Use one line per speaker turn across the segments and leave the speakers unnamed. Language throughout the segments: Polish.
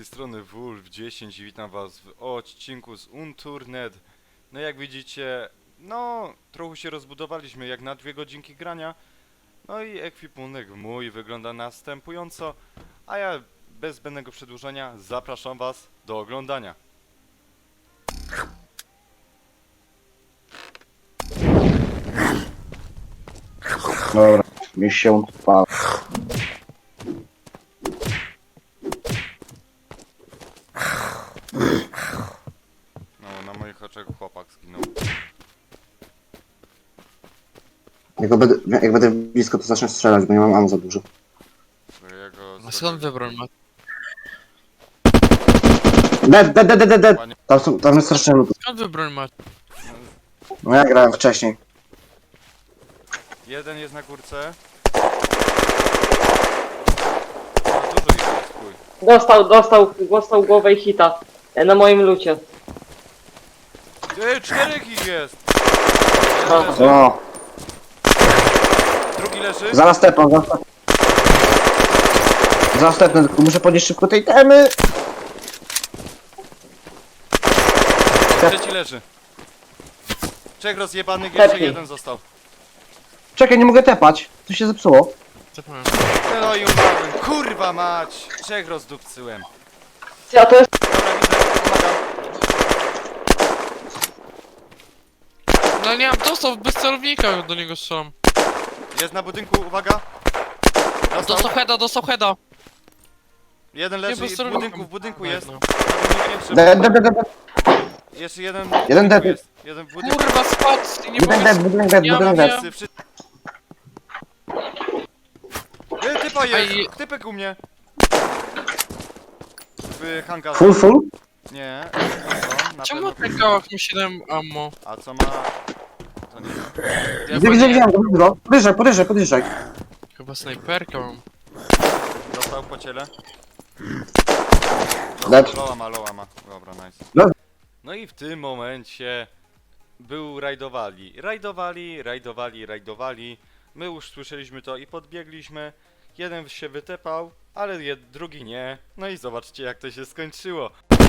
tej strony Wolf10 i witam was w odcinku z Unturned. No jak widzicie, no trochę się rozbudowaliśmy jak na 2 godzinki grania. No i ekwipunek mój wygląda następująco, a ja bez zbędnego przedłużenia zapraszam was do oglądania.
Dobra, mi się odpala.
No na moich oczach chłopak zginął.
Jak będę blisko, to zacznę strzelać, bo nie mam ammo za dużo.
Bo ja go
A skąd wybrał ma?
Dead.
Panie-
Tam jest strasznie lód.
Skąd wybrał ma?
No ja grałem wcześniej.
Jeden jest na górce. No dużo ich jest, chuj.
Dostał głowę i hita na moim lucie.
4 ich jest!
No.
Jeden leży,
O,
drugi leży.
zaraz tepam, zaraz tepnę, tylko muszę podnieść szybko tej temy.
Trzeci leży. 3 rozjebanych, jeszcze
Lepiej.
jeden został.
Czekaj, nie mogę tepać, to się zepsuło.
Zapomniałem.
No i umarłem. Kurwa mać! 3 rozdupcyłem.
A to jest...
Dobra, widzę, pomagam.
No nie, dostał bez celownika, do niego strzelam.
Jest na budynku, uwaga.
Dostał heada.
Jeden
Nie,
leży
bez
i w
celownika.
budynku jest.
No.
Na drugim piętrze.
Dead.
Jeszcze jeden w
Jeden
budynku
dead.
jest. Jeden w budynku.
Kurwa, spadł i nie mogę...
Budynek dead.
Ja
Wszyscy. Typa jest!
Aj.
Typek u mnie! W hangarze.
Full?
Nie. Na
Czemu
pewno.
ten kałach ma 7 ammo?
A co ma... To nie.
Widzę go. Podjeżdżaj.
Chyba snajperkę mam.
Dostał po ciele.
Dead.
Loa ma. Dobra, nice.
No.
No i w tym momencie był rajdowali. My już słyszeliśmy to i podbiegliśmy. Jeden się wytepał, ale drugi nie. No i zobaczcie jak to się skończyło.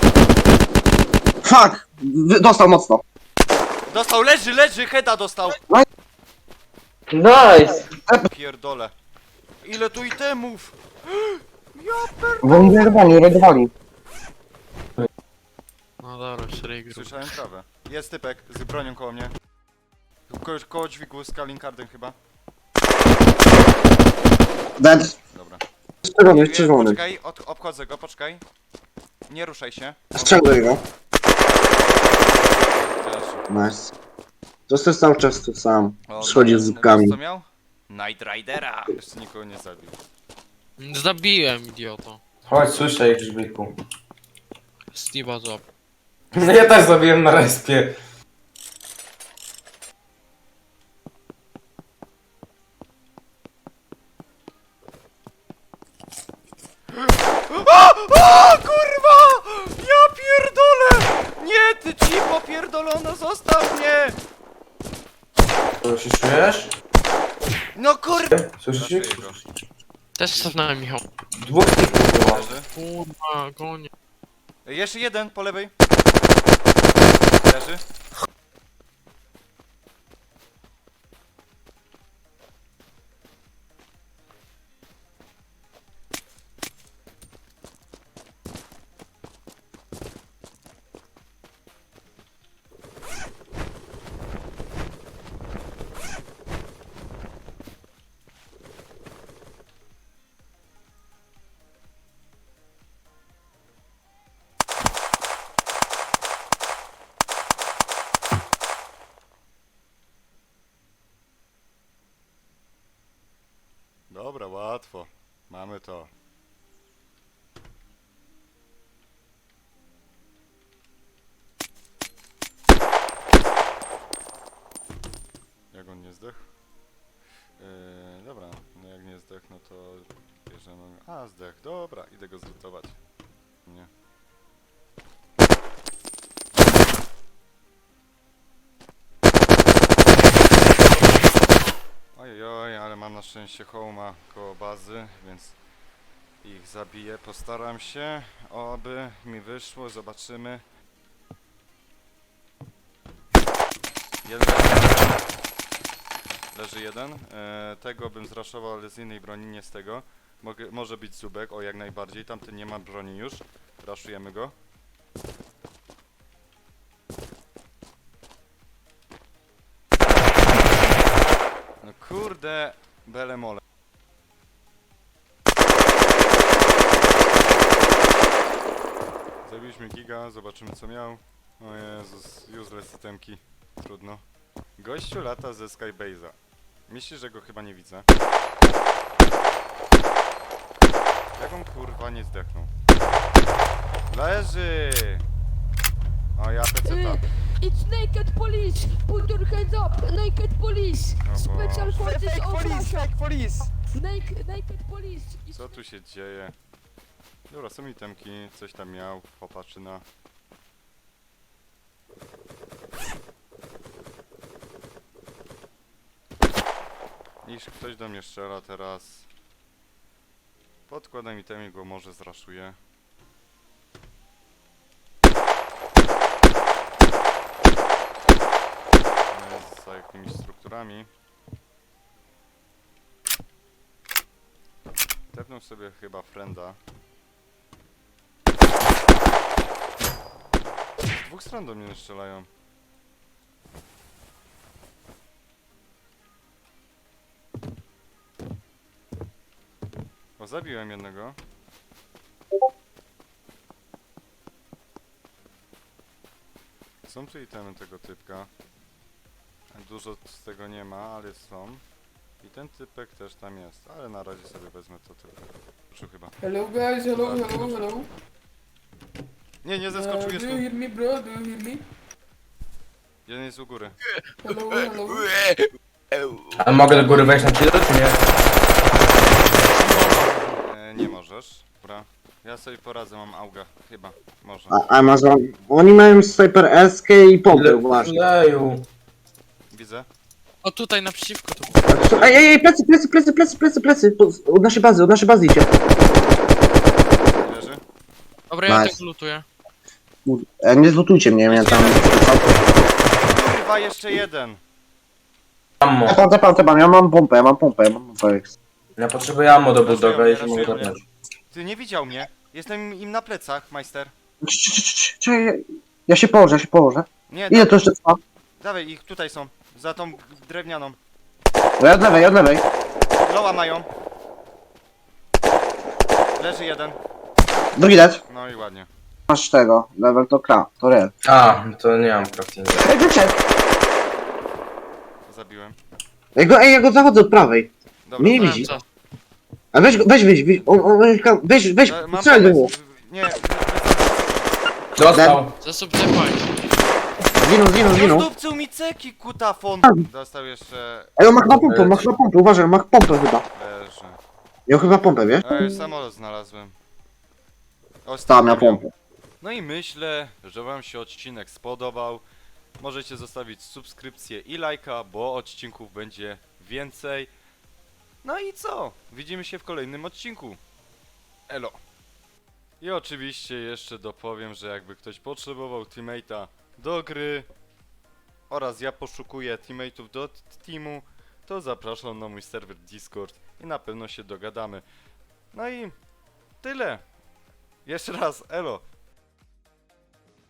Fuck! Dostał mocno.
Dostał, leży, heada dostał.
Nice!
Pierdole. Ile tu itemów?
Bo oni rajdowali.
No dobra, szereg grup.
Słyszałem trawę. Jest typek z bronią koło mnie. Koło dźwigu z Kalinkardem chyba.
Dead.
Dobra.
Czerwony.
Poczekaj, obchodzę go, poczekaj. Nie ruszaj się.
Strzeluję go.
Też.
Nice. To jest cały czas tu sam.
O,
Schodził z zupkami.
wiesz co miał? Night Ridera. Jeszcze nikogo nie zabił.
Zabiłem, idioto.
Chodź, słyszę ich grzbiku.
Steve'a złap.
No ja też zabiłem na respie.
O kurwa! Ja pierdolę! Nie, ty cipo pierdolona, zostaw mnie!
To się czujesz?
No kurwa!
Słyszysz ich?
Zaszyję go.
Też cofnąłem, Michał.
Dwóch typów było.
Leży.
Kurwa, gonie.
Jeszcze jeden po lewej. Leży. Dobra, łatwo. Mamy to. Jak on nie zdechł? Dobra, no jak nie zdechł, no to bierzemy... A, zdech, dobra, idę go zlutować. Nie. Ojoj, ale mam na szczęście home'a koło bazy, więc Ich zabiję, postaram się, oby mi wyszło, zobaczymy. Jeden leży jeden. Tego bym zraszował, ale z innej broni, nie z tego. Może być Zubek, o jak najbardziej. Tamten nie ma broni już. Raszujemy go. No kurde, bele mole. Zabiliśmy giga, zobaczymy co miał. O Jezus, useless itemki. Trudno. Gościu lata ze Skybase'a. Myślisz, że go chyba nie widzę? Jak on kurwa nie zdechnął? Leży! O ja peceta.
It's naked police! Put your hands up! Naked police!
O
Special
Boże.
forces
Fake
of
police,
Russia!
fake police!
Naked police! It's
Co tu się dzieje? Dobra, są itemki, coś tam miał, popatrzyna. Niż ktoś do mnie strzela teraz. Podkładam itemy, go może zraszuję. Jest za jakimiś strukturami. Tepnął sobie chyba frienda. Z dwóch stron do mnie strzelają. O, zabiłem jednego. Są tu itemy tego typka. Dużo z tego nie ma, ale są. I ten typek też tam jest, ale na razie sobie wezmę to tylko. Skoczył chyba.
Hello guys, hello.
Nie, nie zeskoczył, jest
Do
tu.
you hear me bro? Do you hear me?
Jeden jest u góry.
Hello.
A mogę do góry wejść na chwilę, czy nie?
Nie możesz. Dobra. Ja sobie poradzę, mam auga. Chyba. Może.
Amazon. Oni mają Sniper SK i pompę, właśnie.
Leju.
Widzę.
O tutaj naprzeciwko to.
Ej, plecy. Od naszej bazy idzie.
Leży.
Dobra, ja
Nice.
tego lutuję.
Nie zlutujcie mnie, ja tam...
Kurwa, jeszcze jeden.
Ammo.
Tepam, ja mam pompę.
Ja potrzebuję ammo do budowy, jeśli
Raszuje
mogę
mnie.
tepnąć.
Ty nie widział mnie. Jestem im na plecach, majster.
Czekaj, ja się położę.
Nie,
Ile to jeszcze trwa?
dawaj, ich tutaj są. Za tą drewnianą.
Ja od lewej.
Loła mają. Leży jeden.
Drugi dead.
No i ładnie.
Masz tego, level to real.
A, to nie mam craftinga.
Ej, wyszedł!
Zabiłem.
Ja go zachodzę od prawej.
Dobra.
Mnie nie
Mam
widzi.
czas.
A weź, weź,
Ma
strzel do niego.
Nie,
Dostał.
Zasób zepaj.
Zginął.
Rozdupcył mi ceki, kutafon. Dostał jeszcze...
Ej, on ma chyba pompę, uważaj, on ma pompę chyba.
Leży.
Miał chyba pompę, wiesz?
Ej, samolot znalazłem.
Ta,
Ostatnio
miał pompę.
No i myślę, że wam się odcinek spodobał. Możecie zostawić subskrypcję i lajka, bo odcinków będzie więcej. No i co? Widzimy się w kolejnym odcinku. Elo. I oczywiście jeszcze dopowiem, że jakby ktoś potrzebował teammate'a do gry oraz ja poszukuję teammate'ów do teamu, to zapraszam na mój serwer Discord i na pewno się dogadamy. No i tyle. Jeszcze raz, elo.